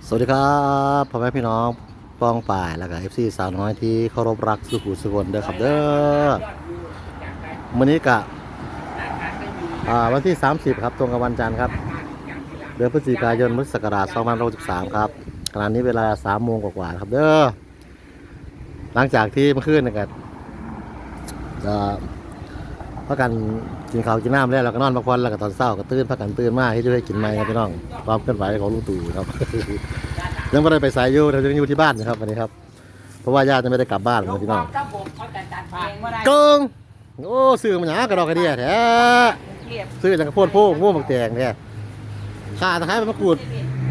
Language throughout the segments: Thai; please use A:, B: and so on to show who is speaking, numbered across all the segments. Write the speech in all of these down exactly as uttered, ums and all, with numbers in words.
A: สวัสดีครับพ่อแม่พี่น้องป้องป่ายแล้วก็เอฟซีสาวน้อยที่เคารพรักสุขุสุคนเด้อครับเด้อวันนี้กะวันที่สามสิบครับตรงกับวันจันทร์ครับเดือนพฤศจิกายนพุทธศักราชสองพันห้าร้อยหกสิบสามครับขณะนี้เวลาสามโมงกว่าๆครับเด้อหลังจากที่เมื่อคืนนะครับพักกันกินข้าวกินน้ำแล้วเราก็นอนพักผ่อนแล้วก็ตอนเช้าก็ตื่นพักกันตื่นมากที่จะได้กินไม้ครับพี่น้องความเคลื่อนไหวของลุงตู่ครับ ยังไม่ได้ไปสายอยู่เราจะอยู่ที่บ้านนะครับวันนี้ครับเพราะว่าญาติจะไม่ได้กลับบ้านเลยพี่น้องกงโอ้ซื้อมันหยากระดอกกระเดียแท้ซื้อจากกระโพดโพกม่วงบักแตงเนี่ยข่าตะไคร้ใบมะกรูด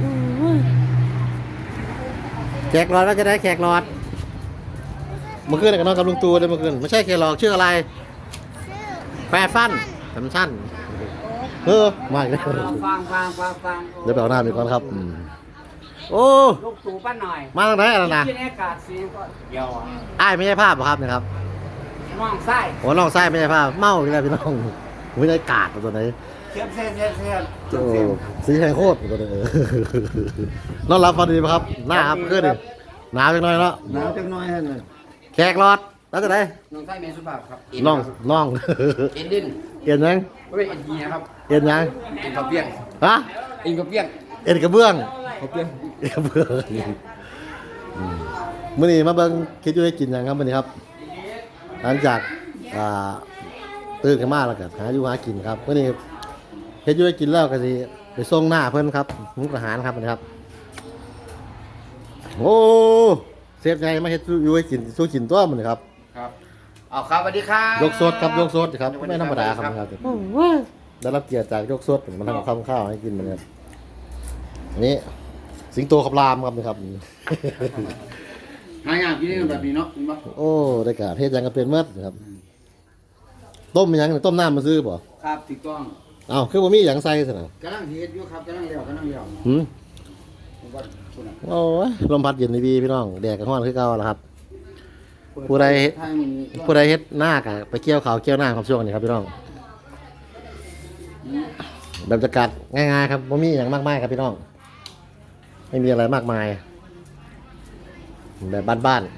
A: แขกรอดก็จะได้แขกรอดเมื่อคืนกับน้องกับลุงตู่เลยเมื่อคืนไม่ใช่แขกรอดชื่ออะไรแฟฟันสัมชันเออไม่เลย
B: ฟังฟังฟังฟัง
A: เดี๋ยวไปเอาหน้ามีก่อนครับโอ้
B: ลูกตู่ป้าหน่อย
A: มาทางไหนอะไรนะ
B: ที่นี่อากาศสีก็เดียวอ่ะ
A: อ้ายไม่ใช่ภาพหรอครับนะครับ
B: น้องไส้
A: โอ้น้องไส้ไม่ใช่ภาพเมาอีกแล้วพี่น้องไม่ได้กาดตัวไหน
B: เทียมเส้นเทียมเส้น
A: โอ้สีแหงโคตรตัวไหนนอนรับฟันดีไหมครับหน้าครับขึ้นดิหนาวจังหน่อยเนาะ
B: หนาวจังน้อยฮะเนี่ย
A: แขกรอดแล้วจะได้
B: น้องไส้เมสุภาพครับ
A: น้องน้อง
B: เอ็นดิน
A: เอ็นยัง
B: ไม่เป็นเอ็นจีนะครับ
A: เอ็นยัง
B: เอ็นกระเปี้ยง
A: ฮะ
B: เอ็นกระเปี้ยง
A: เอ็นกระเบื้อง
B: กระเปี้ยง
A: เอ็นกระเบื้องมื่อนี้มาเบิ่งคิดอยู่ให้กินยังครับมื่อนี้ครับหลังจากอ่าตื่นขึ้นมาแล้วก็หาอยู่หากินครับมื่อนี้เฮ็ดอยู่ให้กินแล้วก็สิไปส่งหน้าเพิ่นครับมุกทหารครับนะครับโอ้เซฟไงมาเฮ็ดอยู่ให้กินสู้กินตัวมันครับ
B: ครับเอาครับสวัสดีครับ
A: ยกสดครับยกสดครับไม่ธรรมดาครับนะครับได้รับเกียรติจากยกสดมันทำกับข้าวข้าวให้กินมันครับอันนี้สิงโตขับรามครับนะครับ
B: หายากที่นี่แบบนี้เนาะ
A: โอ้ได้กาเทศยังก็เป็นเมื่อครับต้มยังต้มน้ำมาซื้อบ่
B: ครับถูกต้อง
A: อ้าวคือบ่มีหยังใส่ซะนะ
B: กำลังเฮ็ดอยู่ครับกำลังเลี้ยวกำลังเลี้ยว
A: หืม
B: ผมว่าคุณอะ
A: โอ้ยลมพัดเย็นดีพี่น้องแดดกับร้อนคือเก่าแล้วครับ ผู้ใด
B: ทางนี้
A: ผู้ใดเฮ็ดหน้ากะไปเกี่ยวข้าวเกี่ยวหน้าครับช่วงนี้ครับพี่น้องแบบบรรยากาศง่ายๆครับบ่มีหยังมากมายครับพี่น้องไม่มีอะไรมากมายแบบบ้าน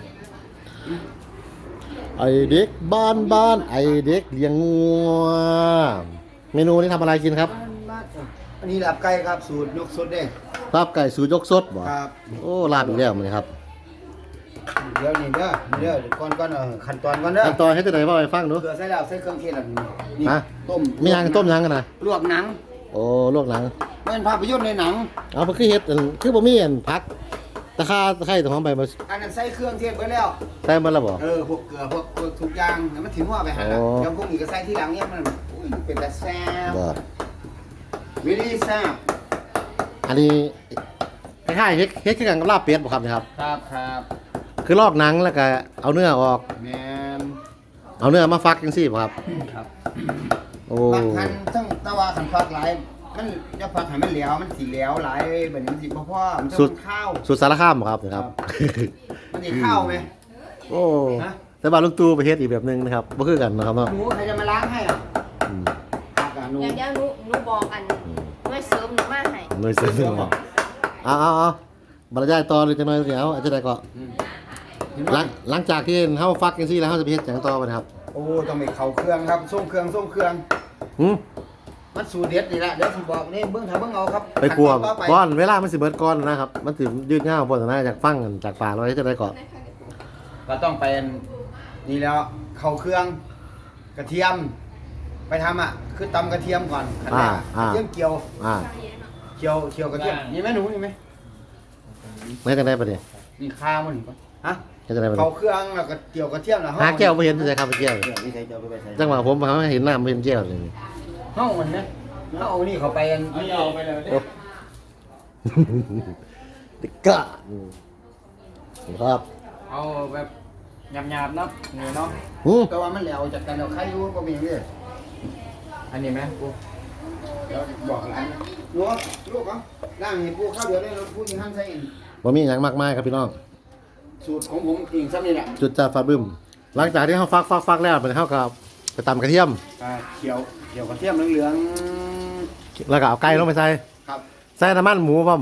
A: ๆไอเด็กบ้านบ้านไอเด็กเลี้ยงงัวเมนูนี้ทำอะไรกินครับ
B: อันนี้ลาบไก่ครับสูตรยกสดเด้ง
A: ลาบไก่สูตรยกสดบ่
B: ครับ
A: โอ้ลาบอีกแล้วมันครับ
B: เดี๋ยวนี่เด้อนี่เด้อก่อนก่อนเออขั้นตอนก่อนเด้อ
A: ขั้นตอนให้ตัวไหนว่าไปฟังดู
B: เกลือใส่แล้วใส่เครื่องเทศแล้วนี่นี่
A: ฮะ
B: ต้ม
A: มีหยังต้มหยังกันนะ
B: ลวกหนัง
A: โอ้ลวกหนัง
B: เป็นภาพยนตร์ในหนัง
A: เอาไปคือเฮ็ดอันคือบ่มีอันผักตะคาตะไคร้ตะหอมใบมา
B: อันนั้นใส่เครื่องเทศไปแล้ว
A: ใส่มาแล้วบ่
B: เออพวกเกลือพวกพวกทุกอย่างแล้วมันถึงว่าไปหา
A: โอ้
B: เดี๋ยวพวกนี้ก็ใส่ที่หลังเนี่ยมันอุ้ยเป็นแต่แซ่บ
A: บ่
B: วิธีแซ่บ
A: อันนี้คล้ายๆเฮ็ดเฮ็ดคือกันกับลาบเป็ดบ่ครับเนะครับ
B: ครับครับ
A: คือลอกหนังแล้วก็เอาเนื้อออก
B: แม่น
A: เอาเนื้อมาฟักจังซี่บ่ครับ
B: ครับ
A: โอ้
B: บางคันทั้งตะวาขันฟักหลายมันจะฟักให้มันเหลวมันสีเหลวหลายแบบนี้มันสิบ่พอมันจะเป็นข้าว
A: สุดสารคามบ่ครับนะครับ
B: มันสิข้าวไหม
A: โอ้
B: ฮะ
A: แต่ว่าลุงตู่ไปเฮ็ดอีกแบบหนึงนะครับบ่คือกันนะครับเนาะ
B: หนูใครจะมาล้างให้อ่ะ
A: อืม
B: ผักอ่ะหนู
C: เดี๋ยวเดี๋ยวหนูหนูบอกกันหน่วยเสริมหนูมาให้
A: หน่วยเสริมบ่เอาเอาเอาบรรยายต่อเลยจังหน่อยเดี๋ยวอาจจะได้ก็
B: เห็น
A: หลั
B: ไหม
A: งหลังจากที่เฮาฟักจังซี่แล้วเฮาจะไปเฮ็ดหยังต่อไปนะครับ
B: โอ้ต้องไปเข้าเครื่องครับส่งเครื่องส่งเครื่อง
A: หืม
B: มันสูตรเด็ดนี่แหละเดี๋ยวผมบอกนี่เบื้องถ้าเบื้องเอาครับ
A: ไปครัว
B: ขั้นตอนต่อไป
A: ก่อนเวลามันสิเบิดก่อนนะครับ มันสิยืดยาวบ่นะจากฟังกันจากปากเราจะได้ก่อน
B: ก็ต้องเป็นนี่แล้วเข้าเครื่องกระเทียม ไปทำอ่ะคือตำกระเทียมก่อนขั้นแร
A: อ่าก
B: กระ
A: อ่า
B: เทียมเกี่ยว
A: อ่า
B: เกี่ยวเกี่ยวกระเทียมนี่ไหมหนูนี่ไหม
A: ไม่กันได้ปะเนี่ย
B: นี่ข้าวมันก่อนฮะ
A: ไม่กันได้ปะ
B: เข้า
A: เนี่ย
B: เครื่องแล้วก็เกี่ยวกระเทียมแล้ว
A: หาแก้วบ่เห็นจะครับแก้ว
B: เดี๋ยวนี่ใส่เกี่ยวไปไปใส่
A: จังหวะผมเขาเห็นหน้าบ่เห็นแก้วเลย
B: เฮ้ามันนะแล้วเอานี่เข้าไปอันนี้เอาไปเลย
A: โอ้ติกะครับ
B: เอาแบบหยาบๆเนาะเนื้อเนาะ
A: หืม
B: แต่ว่ามันแล้วจากกันเราใครอยู่ก็มีอย่างนี้อันนี้ไหมกูเดี๋ยวบอกหลานลูกลูกเหรอร่างเห็นกูข้าวเดียวได้เราพูดยิงหั่นใส่เอง
A: บ่มีหยังมากมายครับพี่น้อง
B: สูตรของผมเองซ้ำนี่แหละ
A: จุดจ่าฟ้าบึ้มหลังจากที่เฮาฟักฟักฟักแล้วมันเฮาก็ไปตำกระเทียม
B: อ่าเขียวเขียวกระเทียมเหลือง
A: แล้วก็เอาไก่ลงไปใส่
B: ๆครับ
A: ใส่น้ำมันหมูพร้อมบ่
B: บ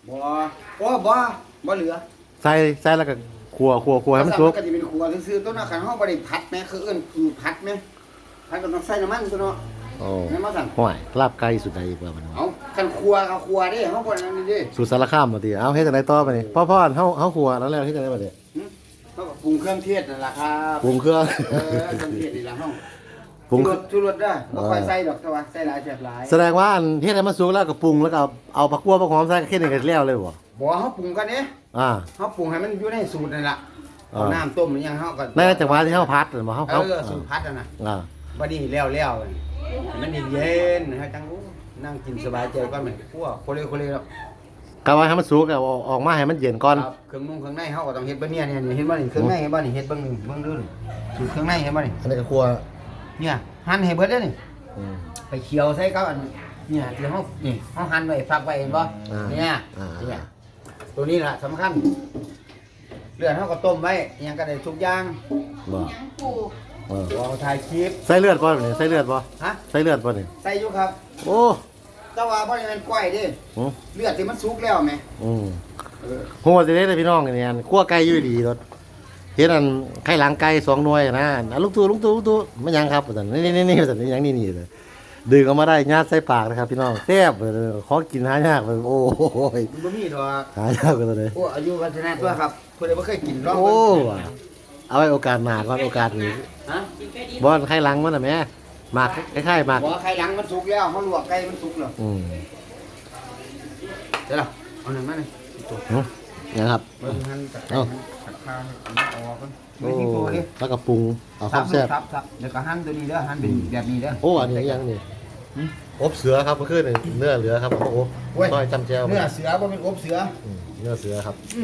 B: บ่โอ้บ่บ่เหลือ
A: ใส่ใส่แล้วก็ขัวขัวขัวให้มันสุก
B: ก็สิเป็นครัวซื่อๆต้นน่ะคันเฮาบ่ได้ผัดแม่คือเอิ้นคือผัดแม่ผัดก็ต้องใส่น้ำมันตัวเนาะ
A: โอ้
B: แม่นบ่สั่น
A: ห่วยลาบไก่สุดใดอีกว่ามัน
B: เอาคันครัวก็ครัวเด้เฮาบ่นั่นนี่เด้
A: สูตรสารคามบ่ติเอาเฮ็ดจังไดต่อไปนี่พ่อพ่อเฮาเฮาขัวแล้วแล้วเฮ็ดจังไดบัดนี้
B: หึเฮาก็ปรุงเครื่องเทศนั่นล่ะครับ
A: ปรุงเครื่อง
B: เออเครื่องเทศนี่ล่ะเฮา
A: ปรุง
B: ชูรสชูรสเด้อบ่ค่อยใส่ดอกแต่ว่าใส่หลายแซ่บหลาย
A: แสดงว่าอันเฮ็ดให้มันสุกแล้วก็ปรุงแล้วก็เอาเอาผักกัวผักหอมใส่แค่นี้ก็แล้วเลยบ่
B: บ่เฮาปรุงกันเด้
A: อ่า
B: เฮาปรุงให้มันอยู่ในสูตรนั่นล่ะ
A: อ่า
B: เอาน้ำต้มหรือยังเฮาก็
A: ในจังหวะที่เฮาพัดน่ะบ่เฮา
B: เอ
A: เฮา
B: อสูตรผัดนั่นน่ะ
A: อ่า
B: บัดนี้แล้วแล้วๆให้มันเย็นๆให้จังโอ้นั่งกินสบายใจก่อนแม่ครัวโคเลโคเลแล้ว
A: ก็ว่าให้มันสุกแล้วเอาออกมาให้มันเย็นก่อน
B: ครับเครื่องนุ่งเครื่องในเฮาก็ต้องเฮ็ดเบ่เนี่ยเนี่ยเห็นบ่นี่เครื่องในเห็นบ่นี่เฮ็ดเบิ่งนี่เบิ่งดูนี่สูตรเครื่องในเห็นบ่นี่
A: อันนี้ก็ครัว
B: เนี่ยหั่นให้เบิดเด้อนี่
A: อืม
B: ไปเคี่ยวใส่กับอันเนี่ยที่เฮานี่เฮาหั่นไว้ฟักไว้เห็นบ่
A: อ่า
B: เนี่ย
A: อ่า
B: เนี่ยตัวนี้ล่ะสำคัญเลือดเฮาก็ต้มไว้อิหยังก็ได้ทุกอย่าง
A: บ่
C: ยังปู
A: เออ
B: บ่ถ่ายคลิป
A: ใส่เลือดบ่นี่ใส่เลือดบ่
B: ฮะ
A: ใส่เลือดบ่นี่
B: ใส่อยู่ครับ
A: โอ้
B: แต่ว่าบ่ได้แม่นก้อยเด้
A: อืม
B: เลือดที่มันสุกแล้วแม่
A: อืม
B: เออ
A: โหสิได้เลยพี่น้องนี่อันคั่วไก่อยู่ดีรถเฮ็ดอันไข่หลังไก่สองหน่วยนะอันลูกตู้ลูกตู้ลูกตู้มันหยังครับว่าซั่นนี่นี่นี่ว่าซั่นนี่หยังนี่นี่เลยดึงออกมาได้ญาติใส่ปากนะครับพี่น้องแซ่บเลยขอกินหายากเลยโอ้ย
B: มันบ่มีดอก
A: หายากเลย
B: โอ้อายุวัฒนะตัวครับผู้ใดบ่เคยกินลอง
A: โอ้
B: เบิ่ง
A: ว่ะเอาไว้โอกาสหน้าก่อนโอกาสนี้
B: ฮะ
A: บ่อนไข่หลังมันน่ะแม่หมากคล้ายๆหมาก
B: บ่ไข่หลังมันสุกแล้วเฮาลวกไก่มันสุกแล้ว
A: อืม
B: เดี๋ยวล่ะเอาหนึ่งมาหนึ่ง
A: หึยังครับ
B: เบิ่งหั่นตัด
A: เอ้า
B: ตัดข้าวให้มันออกก่อนไม่ทิ้งตัวดิ
A: แล้วก็ปรุงเอาค
B: ซั
A: วา
B: บ
A: มแซ่บ
B: ซับซับเดี๋ยวก็หั่นตัวนี้เด้อหั่นเป็นแบบนี้เด้อ
A: โอ้อันนี้ยังนี่อบเสือครับเมื่อคืนนี่เนื้อเหลือครับโอ้โห
B: โอ้ย
A: ซอยจำแจว
B: เนื้อเสือบ่เป็นอบเสือ
A: อืมเนื้อเสือครับ
B: อืม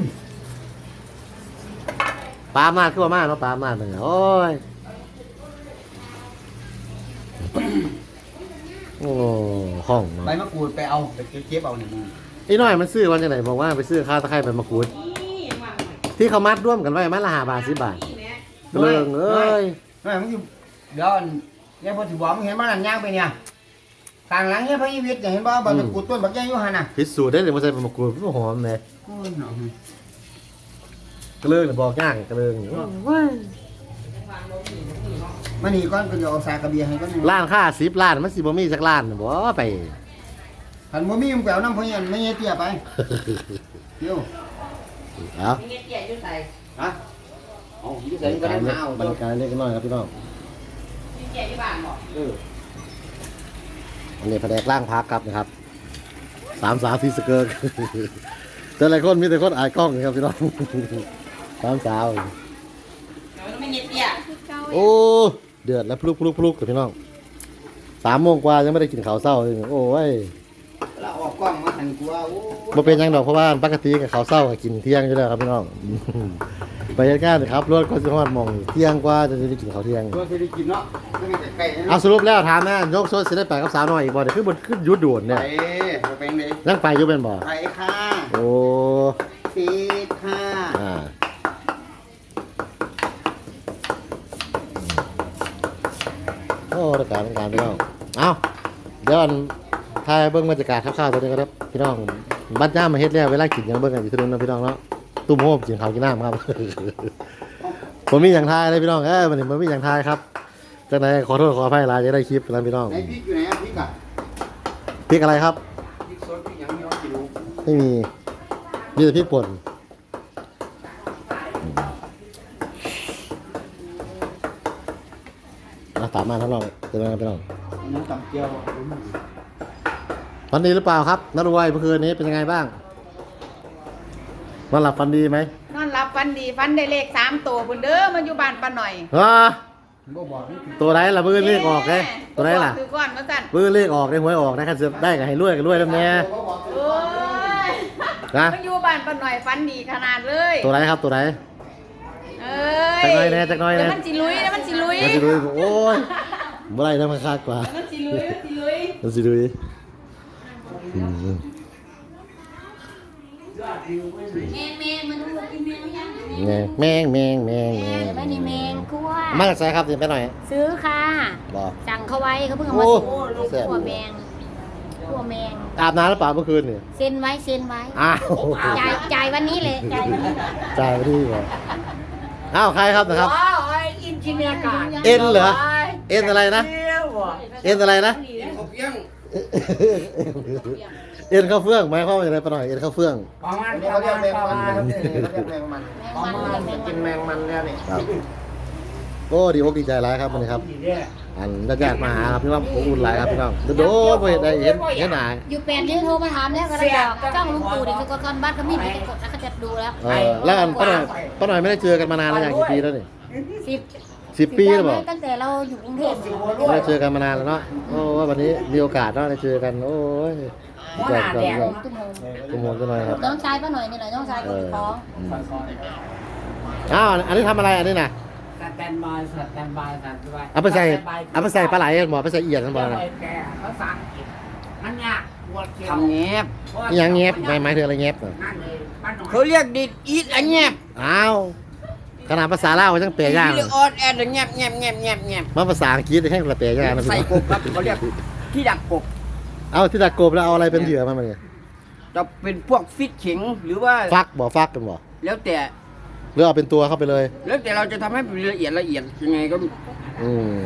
A: ปลามาดคือว่ามาดเนาะปลามาดเลยโอ้ยโอ้ห้องเนาะ
B: ใบมะกรูดไปเอาไปเก็บเอานี่มึง
A: ไอ้น้อยมันซื้อวันจังไหนบอกว่าไปซื้อข้าวตะไคร้ใบมะกรูดที่เขามัดร่วมกันไว้มัดละห้าบาทสิบบาทเลิงเอ้ย
B: น้อยมึงอยู่เดี๋ยวอันเนี่ยพอสิบอกมึงเห็นบ่นั่นย่างไปเนี่ยข้างหลังเนี่ยพระอีวิทย์เนี่ยเห็นบ่ใบมะกรูดต้นบักใหญ่อยู่หั่นน่ะ
A: พิสูจน์ได้เลยว่าใส่ใบมะกรูดมันหอมเลย
B: โอ้ยเนาะ
A: กระเลิงเนี่ยบอกย่างกระเลิง
B: มานี่ก่อนก็จะเอาสากกระเบียให้ก่อน
A: ล้านค่าสิบล้านมันสิบ่มีสักล้านบ่ไป
B: คันบ่มีมึงไปเอาน้ำพ่อยันไม่เตี้ยไปเดี๋ยว
A: เอา
C: มีเงี้ยเตี้ยอยู่ใส่
B: ฮะเอาอยู่
A: บร
B: ใส่
A: ร
B: ก็
A: ยากา
B: ได้
A: ศ
B: มาเอา
A: บรรยากาศเล็กน้อยครับพี่น้อง
C: มีเตี้ยอยู่บ้านบอก
B: เออ
A: อันนี้แผนกล่างพักครับนะครับสามสาวที่สเกิร์ก แต่หลายคนมีแต่คนอายกล้องนะครับพี่น้อง สามสาว
C: เราไม่เงี้ยเตี้ย
A: โอ้เดือดแล้วพลุกพลุกพลุกกับพี่น้องสามโมงกว่ายังไม่ได้กินข้าวเช้าเลยโอ้ย
B: แล้วออกกล้องมาหันกูว่าโอ้
A: บ่เป็นหยังดอกเพราะว่าปกติกับข้าวเช้าก็กินเที่ยงอยู่แล้วครับพี่น้อง ไปเหตุการณ์ครับรถก็สิฮอดหมองเที่ยงกว่าจะได้กินข้าวเที่ยง
B: ตัวสิได้กินเนาะไม่มีแต่ไก่นะ
A: เอาสรุปแล้วถามแม่ยกโซดสิได้ไปกับสาวน้อยอีกบ่เดี๋ยวคือบ่คือหยุดด่วน
B: ไป
A: เนี่ย
B: บ่เป็นเลย
A: ยังไปอยู่เป็นบ่
B: ไปค่ะ
A: โอ้
B: ปีค่ะ
A: อ่าโอ้รายการรายการพี่น้องเอาเดี๋ยวอันถ่ายเบิ่งบรรยากาศคร่าวๆตัวนี้ก็ได้พี่น้องบัดย่ามมาเฮ็ดแล้วเวลากินยังเบิ่งกันอยู่ที่นู่นนะพี่น้องเนาะตุ้มโฮมกินข้าวกินน้ำครับ ผมมีอย่างทายเลยพี่น้องเอ้ยมันมันมีอย่างทายครับจากไหนขอโทษขออภัยหลายจะได้คลิปนะพี่น้อง
B: ไหนพริกอยู่ไหนอะพริกอะ
A: พริกอะไรครับ
B: พริกสดพริกหยังมีเอากินดู
A: ไม่มีมีแต่พริกป่นนะตามมาท่านลองเจอกันพี่น้อง
B: น้ำตำเจียว
A: ฝันดีหรือเปล่าครับนัดรวยเมื่อคืนนี้เป็นยังไงบ้างนอนหลับฝันดีไหม
C: นอนรับฟันดีฟันได้เลขสามตัวพุ่นเด้อมาอยู่บ้านป้าหน่อย
A: ฮะ
B: บ่บอกนี่คือ
A: ตัวไหนล่ะมือเลขออกเลยตัวไหนล่ะ
C: คือก่อนมาสั่น
A: มือเลขออกได้หวยออกนะครับจะได้กับให้รวยกับรวยแล้วแน่
B: บ่บอก
C: โอ้ย
A: นะ
C: มาอยู่บ้านป้าหน่อยฟันดีขนาดเลย
A: ตัวไหนครับตัวไหน
C: เอ้ย
A: จักหน่อยแน่จักหน่อยแน่
C: เดี๋ยวมันสิลุยเดี๋ยวมันสิลุย
A: มันสิดุยโอ้ยเมื่อไรนะมันคาดกว่า
C: เดี๋ยวมันสิลุยมันสิลุย
A: มันสิดุยอืม
D: แมงแมงมันดูกินแมงยัง
A: แมงแมงแมงแมงแมง
D: ไม่ได้แมงคั่ว
A: มาจากไสครับสิไปหน่อย
D: ซื้อค่ะ
A: บอก
D: สั่งเขาไว้เขาเพิ่งเอามา
A: โอ้
D: ส่งลูก
A: แซ่บ
D: คั่วแมงกลัวแมง
A: อาบน้ำแล้วเปล่าเมื่อคืนนี่
D: เซ็นไว้เซ็นไว้
A: อ้าว
D: จ่ายจ่ายวันนี้เลยจ่ายวันนี้
A: จ่ายไปที่ก่อนอ้าวใครครับนะครับ
E: ว้าวไอ้อินจิเนียร์การ
A: เอ็นเหรอเอ็นอะไรนะ
E: เที่ยวอ่ะ
A: เอ็นอะไรนะ
B: เขาเพียง
A: เอ็นข้าวเฟื่องหมายความว่าอย่างไรปะหน่อยเอ็นข้าวเฟื่อง
E: ประมาณ
B: อันนี้
E: ป
B: เขา
E: ระ
B: เรีย
E: มาก ณ
B: แมง
E: ประ
B: มัน
E: มาณ
B: เขาเรียกแมงมัน
D: แมงมันเลยแมง
B: กิน
D: มัน
B: แมงมันแล้วนี่
A: ครับโอ้ดีอกดีใจหลายครับวันนี้ครับ อันญาติๆมาหาครับพี่น้องอบอุ่นหลายครับพี่น้องโดดๆไปได้เห็นเห็นหน้า
D: อยู่แปดเดือนโทรมาถามแล้วก็ได้บอกจ้องลุงตู่เด็กสกลคนบ้านเขามีไปกดแล้วเขาจะดูแล้ว
A: เออแล้วอันป้าหน่อยป้าหน่อยไม่ได้เจอกันมานานแล้วอย่างกี่ปีแล้วนี่
D: สิบ
A: สิบปีแล้วบอก
D: ตั้งแต่เราอยู่กรุงเทพ
A: ไม่ได้เจอกันมานานแล้วเนาะโอ้วันนี้มีโอกาสเนาะได้เจอกันโอ้ยดีใจจังเลย
D: ตุ้มโฮม
A: ตุ้มโหกันหน่อยครับ
D: น้องชายป้าหน่อยนี่แหละน้องชาย
A: เอ
D: คน
A: อ
D: ท้อง
A: อืมอ้าวอันนี้ทำอะไรอันนี้น่ะ
E: สแตนบายสแตนบายสแตนบาย
A: เอาไปใส่เอาไปใส่ปลาไหลหมอไปใส่เอียดกันบ่
E: แก
A: นะ
E: ภาษาอังกฤษมันยากปวดเขียว
B: ทำเงียบ
A: อหยังเงียบหมายหมายถึงอะไรเงียบน่ะ
E: นั่นเลยป้าหน่อย
B: เขาเรียกดิดอีทอันเงียบ
A: อ้าวขนาดภาษาลาวยังเปรยาก
B: เรียกออดแอดเงียบเงียบเงียบเงียบเงียบ
A: มาภาษาอังกฤษให้กระเปรยากนะพี่
B: ใส่
A: น้อง
B: กบครับเขาเรียกที่ดักกบ
A: เอาที่ตะกบแล้วเอาอะไรเป็นเหยื่อมาเนี่ย
B: จะเป็นพวกฟิตเข็งหรือว่า
A: ฟักบ่ฟักกันบ่
B: แล้วแต่
A: หรือเอาเป็นตัวเข้าไปเลย
B: แล้วแต่เราจะทำให้เป็นละเอียดละเอียดยังไงก็
A: อืม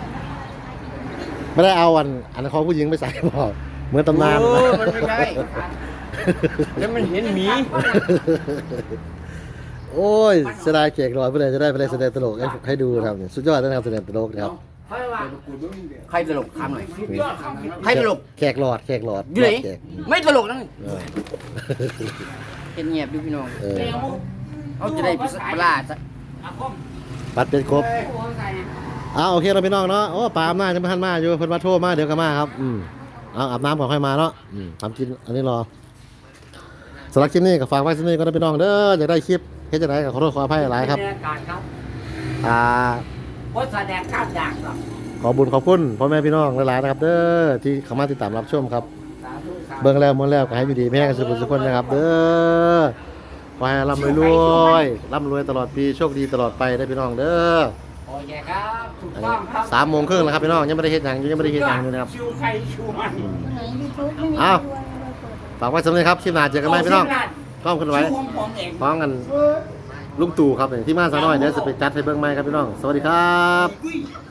A: ไม่ได้เอาอันอันของผู้หญิงไปใส่บ่เหมือนตำนาน
B: โอ้มันไม่ใช่แล้วมันเห็นหมี
A: โอ้ยเสียดายเกียกรอยเพื่อจะได้ไปได้แสดงตลกให้ให้ดูนะครับเนี่ยสุดยอดนะครับแสดงตลกนะครับ
E: เฮ้ยว่า
B: ใครตลกทำหน่อยใครตลก
A: แขกหลอดแขกหลอด
B: อยู่ไหน
A: แขก
B: ไม่ตลกนั่น
A: เออ
B: เป็นเงียบดูพี่น้อง
A: เออ
B: เขาจะได้พิสปลาซะ
E: อาคม
A: ปัดเป็นครบ
E: โอ้โหใส่เนี่ย
A: อ้าวโอเคเราพี่น้องเนาะโอ้ปลาอำนาจจะมาทันมาอยู่เพิ่นมาโทรมาเดี๋ยวก็มาครับอืมเอาอาบน้ำก่อนค่อยมาเนาะอืมทำกินอันนี้รอสำหรับคลิปนี้ก็ฝากไว้ที่นี่ก็ได้พี่น้องเด้ออยากได้คลิปเฮ็ดจังไดก็ขอโทษขออภัยหลายครับ
E: บรรยากาศครับ
A: อ่า
E: โคตรแสดงข้ามด่างครับ
A: ขอบุญขอบคุณพ่อแม่พี่น้องหลายๆนะครับ เด้อที่เข้ามาติดตามรับชมครับ
E: สาธุสาธุ
A: เบิ่งแล้วมวนแล้วก็ให้อยู่ดีแม่กันสุขสุขคนนะครับ เด้อขอให้ร่ำรวยรวยร่ำรวยตลอดปีโชคดีตลอดไปได้พี่น้องเด้อ
E: โอเคครับถูกต้องครับ
A: สามโมงครึ่งแล้วครับพี่น้องยังไม่ได้เฮ็ดหยังยังไม่ได้เฮ็ดหยังอยู่นะครับ
E: ชิวใครชิวมัน
D: คนไหนยูทูบไม่มี
A: อ้าว
D: ด้วย
A: ฝากไว้สำหรับครับคลิปหน้าเจอกันใหม่พี่น้องกล้องขึ้นไว้
E: ชิวของผมเอง
A: พร้อมกันลุงตู่ครับเนี่ยที่มาสาวน้อยเดี๋ยวจะไปจัดให้เบิ่งใหม่ครับพี่น้อง สวัสดีครับ
E: อุ้ย